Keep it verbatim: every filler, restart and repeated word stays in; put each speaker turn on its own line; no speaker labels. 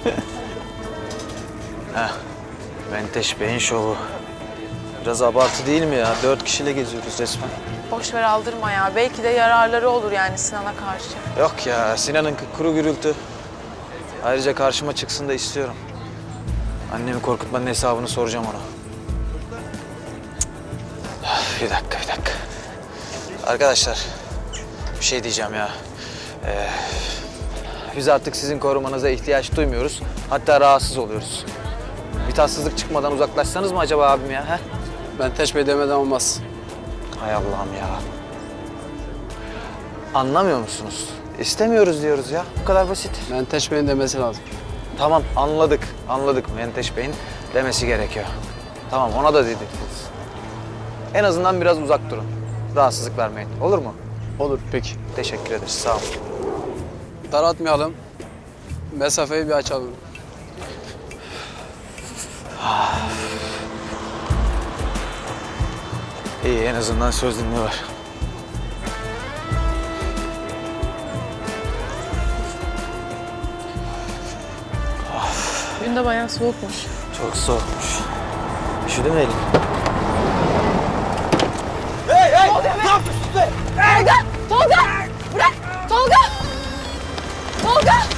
Heh. Menteş Bey'in şovu. Biraz abartı değil mi ya? Dört kişiyle geziyoruz resmen.
Boş ver aldırma ya. Belki de yararları olur yani Sinan'a karşı.
Yok ya, Sinan'ın kuru gürültü. Ayrıca karşıma çıksın da istiyorum. Annemi korkutmanın hesabını soracağım ona. Cık. Bir dakika, bir dakika. Arkadaşlar, bir şey diyeceğim ya. Ee, biz artık sizin korumanıza ihtiyaç duymuyoruz. Hatta rahatsız oluyoruz. Bir tatsızlık çıkmadan uzaklaşsanız mı acaba abim ya? He?
Menteş Bey demeden olmaz.
Hay Allah'ım ya. Anlamıyor musunuz? İstemiyoruz diyoruz ya. Bu kadar basit.
Menteş Bey'in demesi lazım.
Tamam, anladık. Anladık. Menteş Bey'in demesi gerekiyor. Tamam, ona da dedik. En azından biraz uzak durun. Rahatsızlık vermeyin. Olur mu?
Olur peki.
Teşekkür ederiz. Sağ olun.
Daraltmayalım. Mesafeyi bir açalım.
İyi, en azından söz dinliyorlar.
Gün de bayağı soğukmuş.
Çok soğukmuş. Üşüdü mü elin?
Tolga! Tolga! Bırak! Tolga! Tolga!